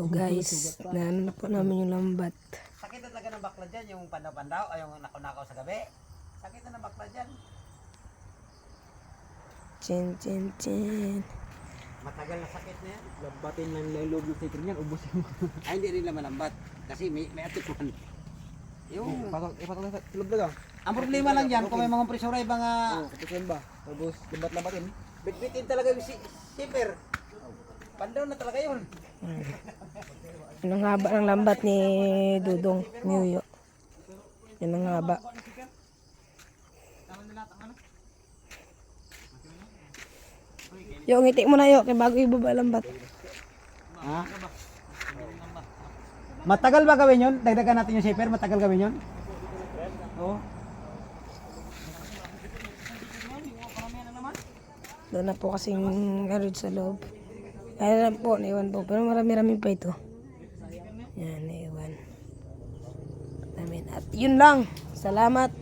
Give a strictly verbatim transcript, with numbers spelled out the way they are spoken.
So guys, naano na po namin yung lambat. Sakit na talaga ng bakla dyan, yung pandaw-pandaw, ay yung nakunakaw sa gabi. Sakit na ng bakla dyan. Chin, chin, chin. Matagal na sakit na yan. Lambatin lang lang loob ng sticker niyan, ubos yung Ay, hindi rin naman lambat. Kasi may, may atikuhan. Yung, Ipatok, ipatok na sa tulog na lang. ang problema lang dyan, kung may mga presura, yung mga Oo, kapusin ba? Tapos lambat-lambatin. bitbitin talaga yung si shipper. Pandaw na talaga yun. Yun ang haba ng lambat ni Dudong Niuyo. Yun ang haba. Yo, ngiti mo na yo, kay bago ibaba lambat. Ha? Matagal ba gawin yun? Dagdagan natin yung shipper, matagal gawin yun? Oo. Doon na po kasing garage sa loob. Kaya lang po, naiwan po. Pero marami-rami pa ito. Yan, naiwan. At yun lang. Salamat.